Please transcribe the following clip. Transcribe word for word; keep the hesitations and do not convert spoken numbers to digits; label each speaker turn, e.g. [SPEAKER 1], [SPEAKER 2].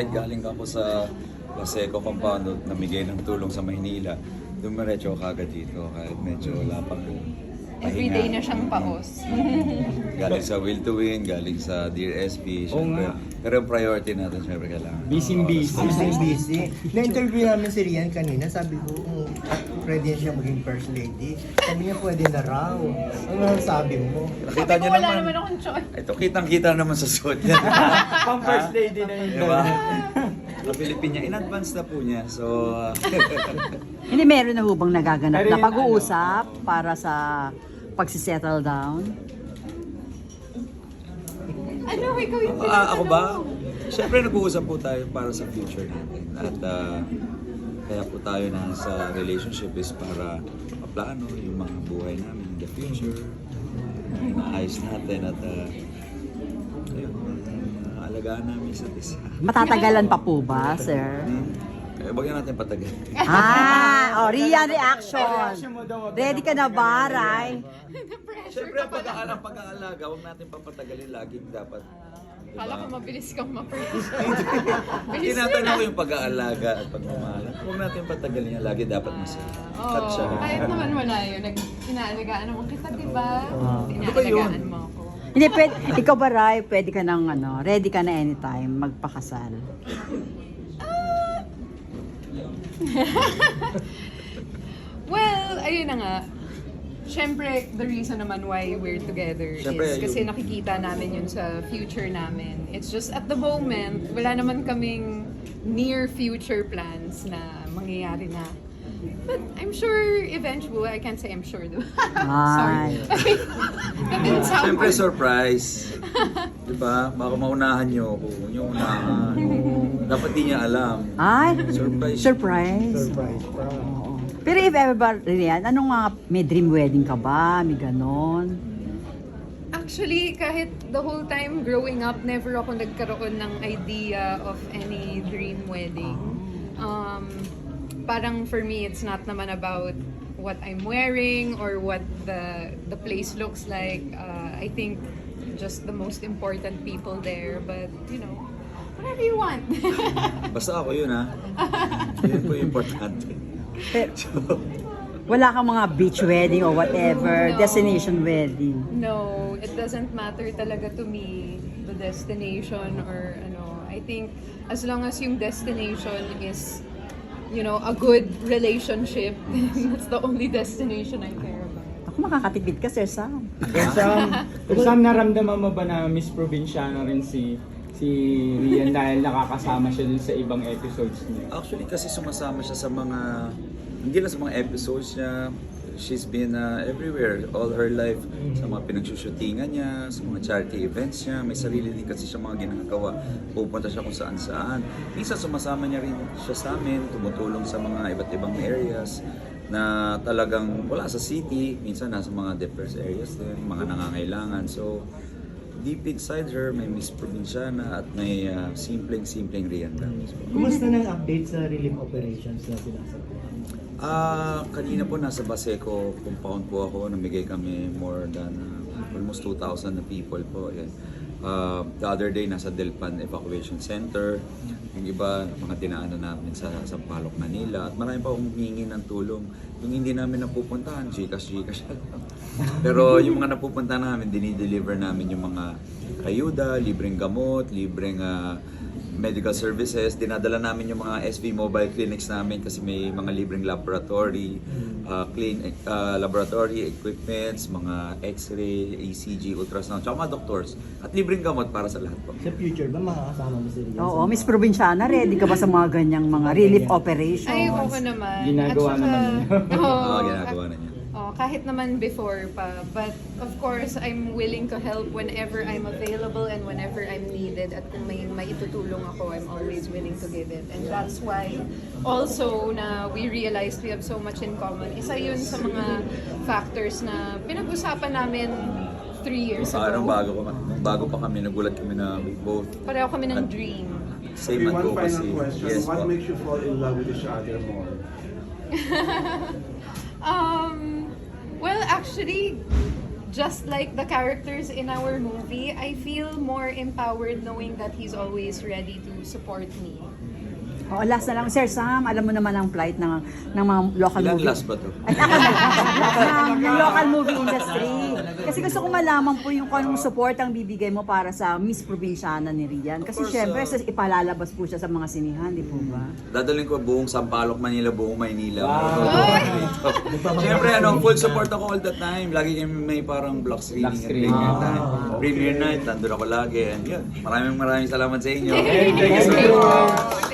[SPEAKER 1] kahit galing ako sa Paseco compound, namigay ng tulong sa Maynila, dumiretso ako kagad dito kahit medyo wala pang
[SPEAKER 2] Everyday
[SPEAKER 1] pahinga.
[SPEAKER 2] na siyang paos.
[SPEAKER 1] Galing sa Will to Win, galing sa Dear S P, syempre.
[SPEAKER 3] nga.
[SPEAKER 1] Pero yung priority natin, syempre kailangan.
[SPEAKER 3] Busy busy.
[SPEAKER 4] Busy, busy. Na-interview namin si Rian kanina, sabi ko, kung pwede siya maging first lady. Sabi niya, pwede na raw. Ano sabi mo?
[SPEAKER 1] Nakita
[SPEAKER 2] Sabi
[SPEAKER 1] niyo
[SPEAKER 2] ko wala
[SPEAKER 1] naman.
[SPEAKER 2] naman akong choice.
[SPEAKER 1] Ito, kitang-kita naman sa suit niya.
[SPEAKER 3] Pang first lady na yun.
[SPEAKER 1] Diba? Sa Pilipina, in advance na po niya. So, uh,
[SPEAKER 5] Hindi, meron na hubang nagaganap
[SPEAKER 3] Pero
[SPEAKER 5] na
[SPEAKER 3] yun,
[SPEAKER 5] pag-uusap para sa pagsisettle down?
[SPEAKER 2] Ano, ikaw yung
[SPEAKER 1] ah, ako ba? Siyempre nag-uusap po tayo para sa future natin. At ah, kaya po tayo na sa relationship is para maplano yung mga buhay namin in the future. Inaayos natin at uh, ayun, uh, alagaan namin sa isa.
[SPEAKER 5] Matatagalan pa po ba, sir?
[SPEAKER 1] Hmm? Kaya bagyan natin patagal.
[SPEAKER 5] Ah, oh, Rian reaction.
[SPEAKER 3] Reaction mo daw, wag
[SPEAKER 5] Ready ka na ba, Ray?
[SPEAKER 1] Siyempre ang pag-aalaga, pag-aalaga, huwag natin papatagalin laging dapat. Diba?
[SPEAKER 2] Kala ko mabilis kang ma-praise.
[SPEAKER 1] Hindi natin ako yung pag-aalaga at pagmamahal. Huwag natin patagalin yan, lagi dapat masaya. Cut siya.
[SPEAKER 2] Oo, kahit naman wala yun. Nag, inaalagaan naman kita, di ba?
[SPEAKER 1] Ano ba yun?
[SPEAKER 2] Inaalagaan mo ako.
[SPEAKER 5] Hindi, pwede, ikaw ba, Ray, pwede ka nang, ano, ready ka na anytime magpakasal?
[SPEAKER 2] Well, ayun na nga. Siyempre, the reason naman why we're together
[SPEAKER 1] Siyempre,
[SPEAKER 2] is kasi
[SPEAKER 1] yung-
[SPEAKER 2] nakikita namin yun sa future namin. It's just at the moment, wala naman kaming near future plans na mangyayari na. But I'm sure eventually, I can't say I'm sure though. Sorry. That didn't sound
[SPEAKER 1] Siyempre
[SPEAKER 2] good.
[SPEAKER 1] surprise. Di ba? Baka maunahan niyo ako. Huwag niyo unahan. Dapat di niya alam.
[SPEAKER 5] Ay,
[SPEAKER 1] Surprise.
[SPEAKER 5] surprise.
[SPEAKER 4] Surprise pa.
[SPEAKER 5] Oo. Pero if ever ba, Rian, anong mga, may dream wedding ka ba? May ganon?
[SPEAKER 2] Actually, kahit the whole time growing up, never ako nagkaroon ng idea of any dream wedding. Um, parang for me, it's not naman about what I'm wearing or what the the place looks like. Uh, I think just the most important people there. But, you know, whatever you want.
[SPEAKER 1] Basta ako yun ha. Yun po yung importante.
[SPEAKER 5] Pero, wala kang mga beach wedding or whatever,
[SPEAKER 2] No.
[SPEAKER 5] destination wedding.
[SPEAKER 2] No, it doesn't matter talaga to me the destination or ano. I think as long as yung destination is, you know, a good relationship, that's the only destination I care about.
[SPEAKER 5] Ako makakatipid ka, Sir Sam.
[SPEAKER 3] Sam, Sam, naramdaman mo ba na Miss Provinciana rin si si Rian dahil nakakasama siya dun sa ibang episodes niya?
[SPEAKER 1] Actually kasi sumasama siya sa mga, hindi lang sa mga episodes niya, she's been uh, everywhere all her life. Sa mga pinagsushootingan niya, sa mga charity events niya, may sarili din kasi siya mga ginagawa. Pupunta siya kung saan saan. Minsan sumasama niya rin siya sa amin, tumutulong sa mga iba't ibang areas na talagang wala sa city, minsan nasa mga depressed areas din, mga nangangailangan. So, deep inside her, may Miss Provinciana at may uh, simpleng-simpleng Rian lang. So,
[SPEAKER 4] Kumusta ng update sa relief operations na sinasabi?
[SPEAKER 1] Ah, kanina po nasa Baseco compound po ako, namigay kami more than uh, almost two thousand na people po. Yan. Uh, the other day nasa Delpan Evacuation Center. Yung iba, mga dinaanan namin sa Sampaloc, Manila. At marami pa akong humingi ng tulong. Yung hindi namin napupuntahan, Gcash, Gcash lang. Pero yung mga napupuntahan namin, dinideliver namin yung mga ayuda, libreng gamot, libreng uh, medical services. Dinadala namin yung mga S V mobile clinics namin kasi may mga libreng laboratory, uh, clean uh, laboratory equipments, mga X-ray, E C G, ultrasound, tsaka mga doctors. At libreng gamot para sa lahat po.
[SPEAKER 4] Sa future ba makakasama mo si Rian?
[SPEAKER 5] Oo,
[SPEAKER 4] sa
[SPEAKER 5] Miss
[SPEAKER 4] mga-
[SPEAKER 5] Provinciana, ready ka ba sa mga ganyang mga relief operations?
[SPEAKER 2] Ay, oo naman.
[SPEAKER 3] Ginagawa
[SPEAKER 2] At saka-
[SPEAKER 3] naman niya.
[SPEAKER 2] Oo.
[SPEAKER 1] Oo, ginagawa na niya.
[SPEAKER 2] Oh, kahit naman before pa. But of course, I'm willing to help whenever I'm available and whenever I'm needed. At kung may maitutulong ako, I'm always willing to give it. And that's why also na we realized we have so much in common. Isa yun sa mga factors na pinag-usapan namin three years
[SPEAKER 1] Ah, nung
[SPEAKER 2] ago.
[SPEAKER 1] bago, pa, nung bago pa kami, nagulat kami na we both
[SPEAKER 2] Pareho kami ng dream.
[SPEAKER 1] same
[SPEAKER 6] Maybe one final
[SPEAKER 1] advocacy.
[SPEAKER 6] question.
[SPEAKER 1] Yes
[SPEAKER 6] What
[SPEAKER 1] po.
[SPEAKER 6] makes you fall in love with each other more?
[SPEAKER 2] Um, well, actually, just like the characters in our movie, I feel more empowered knowing that he's always ready to support me.
[SPEAKER 5] Oh, last na lang, Sir Sam, alam mo naman ang plight ng, ng mga local
[SPEAKER 1] Ilan
[SPEAKER 5] movie.
[SPEAKER 1] last ba to?
[SPEAKER 5] Ay, ng, ng local movie industry. Kasi gusto ko malaman po yung kung anong support ang bibigay mo para sa Miss Provinciana ni Rian. Kasi
[SPEAKER 1] Of course,
[SPEAKER 5] syempre,
[SPEAKER 1] uh,
[SPEAKER 5] sa- ipalalabas po siya sa mga sinihan, di po ba?
[SPEAKER 1] Dadalhin ko buong Sampaloc, Manila, buong Maynila.
[SPEAKER 3] Wow.
[SPEAKER 1] Siyempre, ano, full support ako all the time. Lagi kami may parang block screening
[SPEAKER 3] Block
[SPEAKER 1] at
[SPEAKER 3] screening.
[SPEAKER 1] premiere time.
[SPEAKER 3] Ah,
[SPEAKER 1] Premiere night, nandun ako lagi. And yun, maraming maraming salamat sa inyo.
[SPEAKER 3] Thank you so much.